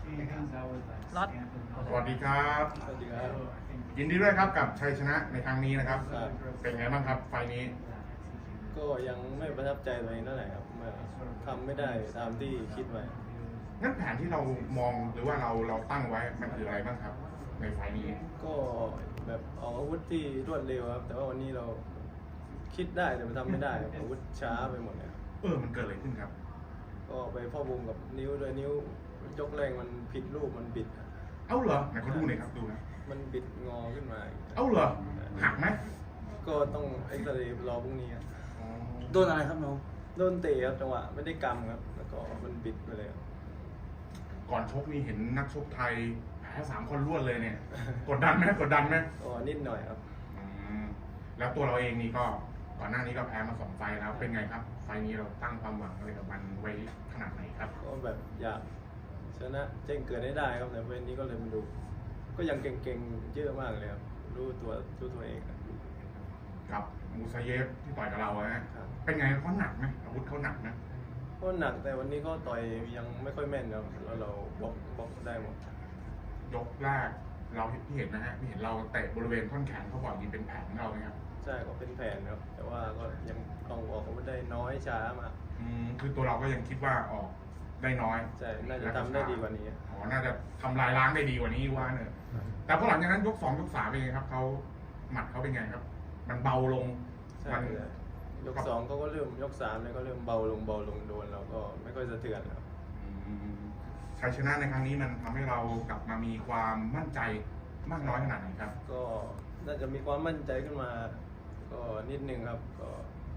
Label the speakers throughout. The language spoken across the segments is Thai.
Speaker 1: ล็อต
Speaker 2: สวัสดีครับ
Speaker 3: สวัสดีครับ
Speaker 2: ยินดีด้วยครับกับชัยชนะในครั้งนี้นะครับ เป็นไงบ้างครับไฟล์นี้
Speaker 3: ก็ยังไม่ประทับใจตัวเองเท่าไหร่ครับทำไม่ได้ตามที่คิดไว้
Speaker 2: งั้นแผนที่เรามองหรือว่าเราตั้งไว้มันคืออะไรบ้างครับ ในไฟล์นี้
Speaker 3: ก็แบบเอาอาวุธที่รวดเร็วครับแต่ว่าวันนี้เราคิดได้แต่มันทำไม่ได้ครับอาวุธช้าไปหมดเลยครับ
Speaker 2: มันเกิดอะไรขึ้นครับ
Speaker 3: ก็ไปพ่อวงกับนิ้วด้วยนิ้วยกแรงมันผิดรูปมันบิดครับ
Speaker 2: เอ้าเหรอไหนเขาดูหน่อยครับดูนะ
Speaker 3: มันบิดงอขึ้นมาอีก
Speaker 2: เอ้าเหรอหักไหม
Speaker 3: ก็ต้องเอ็กซเรย์รอพรุ่งนี้ครับ
Speaker 4: โดนอะไรครับน้อง
Speaker 3: โดนเตะครับจังหวะไม่ได้กำครับแล้วก็มันบิดไปเลยครับ
Speaker 2: ก่อนชกนี่เห็นนักชกไทยแพ้3 คนรวดเลยเนี่ย กดดันไหมกดดันไหม
Speaker 3: ก็นิดหน่อยครับ
Speaker 2: แล้วตัวเราเองนี่ก็ก่อนหน้านี้ก็แพ้มา2 ไฟล์แล้วเป็นไงครับ ไฟล์นี้เราตั้งความหวังอะไรกับมันไว้ขนาดไหนครับ
Speaker 3: ก็แบบอยากชนะแจ้งเกิดให้ได้ครับแต่วันนี้ก็เลยมาดู ก็ยังเก่งๆเยอะมากเลยครับรู้ตัวเองครับ
Speaker 2: กับมูซาเยฟที่ต่อยกับเราฮะ
Speaker 3: ครับ
Speaker 2: เป็นไงเขาหนักไหมอาวุธเขาหนักนะ
Speaker 3: ก็หนักแต่วันนี้ก็ต่อยยังไม่ค่อยแม่นครับแล้วเราบล็อกได้หมด
Speaker 2: ยกแรกเราที่เห็นนะฮะที่เห็นเราเตะบริเวณท่อนแขนเขาบอกยิงเป็นแผนของเราไหมครับ
Speaker 3: ใช่ก็เป็นแผนครับแต่ว่าก็ยังต้องออกอาวุธได้น้อยช้ามาก
Speaker 2: คือตัวเราก็ยังคิดว่าออกได้น้อย
Speaker 3: ใช่น่าจะทำได้ดีกว่านี้
Speaker 2: น่าจะทำลายล้างได้ดีกว่านี้ว่าเนอะแต่พอหลังจากนั้นยก 2 ยก 3เป็นไงครับเขาหมัดเขาเป็นไงครับ มันเบาลง
Speaker 3: ใช่
Speaker 2: มัน
Speaker 3: ยก 2เขาก็เริ่มยก 3เลยก็เริ่มเบาลงโดนเราก็ไม่ค่อยสะเทือนครับ
Speaker 2: ชัยชนะในครั้งนี้มันทำให้เรากลับมามีความมั่นใจมากน้อยขนาดไหนครับ
Speaker 3: ก็น่าจะมีความมั่นใจขึ้นมาก็นิดนึงครับก็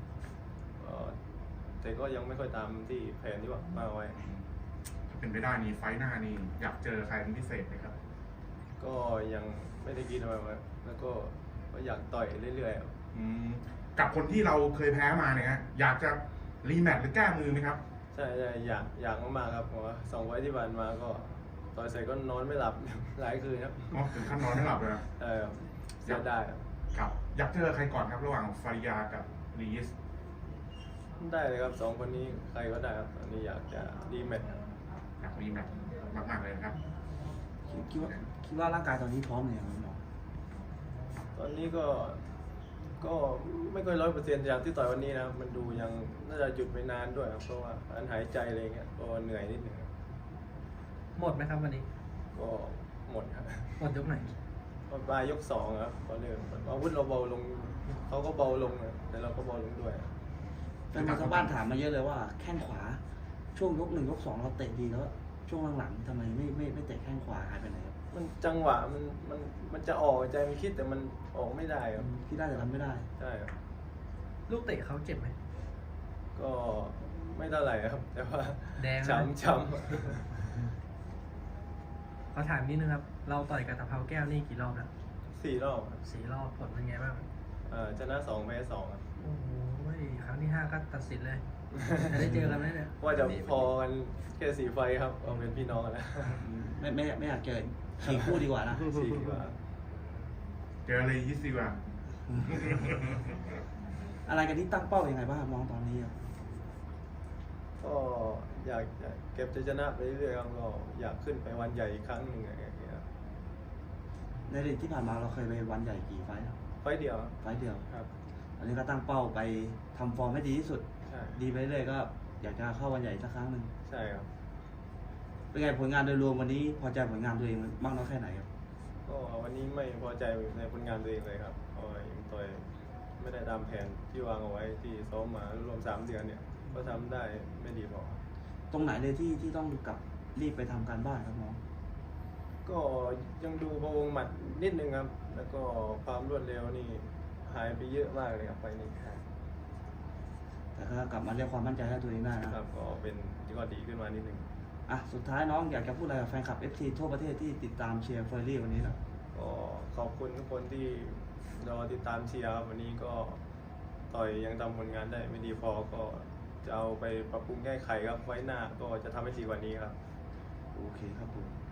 Speaker 3: แต่ก็ยังไม่ค่อยตามที่แผนที่ว่ามาไว้
Speaker 2: ถ้าเป็นไปได้นี่ไฟท์หน้านี่อยากเจอใครเป็นพิเศษไหมครับ
Speaker 3: ก็ยังไม่ได้คิดอะไรมาแล้วก็อยากต่อยเรื่อยๆครับ
Speaker 2: กับคนที่เราเคยแพ้มาเนี่ยฮะอยากจะรีแมตช์หรือแก้มือไหมครับ
Speaker 3: ใช่อยากมากๆครับเพราะว่า2 ไฟท์ที่ผ่านมาก็ต่อยเสร็จก็นอนไม่หลับ หลายคืนครับ
Speaker 2: ถึงขั้นนอนไม่หลับเลยอะ
Speaker 3: เสียดายครับ
Speaker 2: ครับอยากเจอใครก่อนครับระหว่างฟาริยากับลีส
Speaker 3: ได้เลยครับ2 คนนี้ใครก็ได้ครับตอนนี้อยากจะรีแมตช์ครับ
Speaker 2: อยากรีแมตช์มากๆเลยนะครับ
Speaker 4: คิดว่าร่างกายตอนนี้พร้อมเลยงครับน้อง
Speaker 3: ตอนนี้ก็ไม่ค่อย100%จากที่ต่อยวันนี้นะครับมันดูยังน่าจะหยุดไปนานด้วยครับเพราะว่าการหายใจอะไรเงี้ยก็เหนื่อยนิดนึงครับ
Speaker 1: หมดไหมครับวันนี้
Speaker 3: ก็หมดครับ
Speaker 1: หมดยกไหน
Speaker 3: พอปลายยก 2ครับก็เริ่มอาวุธเราเบาลงเขาก็เบาลงนะแต่เราก็เบาลงด้วย
Speaker 4: แฟนบอลชาวบ้านถามมาเยอะเลยว่าแข้งขวาช่วงยก 1 ยก 2เราเตะดีแล้วช่วงหลังๆทำไมไม่เตะแข้งขวาหายไปไหนครับ
Speaker 3: มันจังหวะมันจะออกใจมันคิดแต่มันออกไม่ได้ครับ
Speaker 4: ที่ได้แต่ทำไม่ได้
Speaker 3: ใช่ครับ
Speaker 1: ลูกเตะเขาเจ็บไหม
Speaker 3: ก็ไม่เท่าไหร่ครับ แต่ว่า
Speaker 1: แดงนะ
Speaker 3: ช้ำ
Speaker 1: เขาถามนิดนึงครับ เราต่อยกับตะเภาแก้วนี่กี่รอบแล้ว
Speaker 3: 4 รอบครับ
Speaker 1: 4 รอบผลเป็นไงบ้าง
Speaker 3: ชนะ 2 แพ้ 2ครับ
Speaker 1: โอ้โหครั้งที่ 5 ก็ตัดสินเลย จะได้เจอกันไหมเนี่ย
Speaker 3: ว่าจะพอกันแค่4 ไฟครับเอาเป็นพี่น้องกันแล้ว
Speaker 4: ไม่อยากเจอขี่คู่ดีกว่านะ
Speaker 3: 4ดีกว่า
Speaker 2: เจอเลยยิสดีกว่า
Speaker 4: อะไรกันที่ตั้งเป้ายังไงบ้างครับน้องตอนนี้ครับ
Speaker 3: ก็อยากเก็บชัยชนะไปเรื่อยๆครับก็อยากขึ้นไปวันใหญ่อีกครั้งหนึ่งอะไรอย่างเงี้ยครับ
Speaker 4: ในอดีตที่ผ่านมาเราเคยไปวันใหญ่กี่ไฟล์ครับ
Speaker 3: ไฟเดียวครับ
Speaker 4: ไฟล์เดียว
Speaker 3: ครับ
Speaker 4: อันนี้ก็ตั้งเป้าไปทำฟอร์มให้ดีที่สุด
Speaker 3: ใช่
Speaker 4: ดีไปเรื่อยๆก็อยากจะเข้าวันใหญ่สักครั้งหนึ่ง
Speaker 3: ใช่ครับ
Speaker 4: เป็นไงผลงานโดยรวมวันนี้พอใจผลงานตัวเองมากน้อยแค่ไหนครับ
Speaker 3: ก็วันนี้ไม่พอใจในผลงานตัวเองเลยครับเพราะว่ายังต่อยไม่ได้ตามแผนที่วางเอาไว้ที่ซ้อมมารวม3 เดือนเนี่ยก็ทำได้ไม่ดีพอ
Speaker 4: ตรงไหนเลยที่ต้องกลับรีบไปทำการบ้านครับน้อง
Speaker 3: ก็ยังดูพะวงหมัดนิดนึงครับ แล้วก็ความรวดเร็วนี่หายไปเยอะมากเลยครับไฟนี้ครับ
Speaker 4: แต่ถ้ากลับมาเรียกความมั่นใจให้ตัวเองได้นะครับ
Speaker 3: ก็เป็นที่ก็ดีขึ้นมานิดนึง
Speaker 4: อ่ะสุดท้ายน้องอยากจะพูดอะไรกับแฟนคลับ FC ทั่วประเทศที่ติดตามเชียร์เฟอร์รี่วันนี้หน่อย
Speaker 3: ก็ขอบคุณทุกคนที่รอติดตามเชียร์ครับวันนี้ก็ต่อยยังทำผลงานได้ไม่ดีพอก็จะเอาไปปรับปรุงแก้ไขครับไว้หน้าก็จะทำให้ดีกว่านี้ครับ
Speaker 4: โอเคครับผม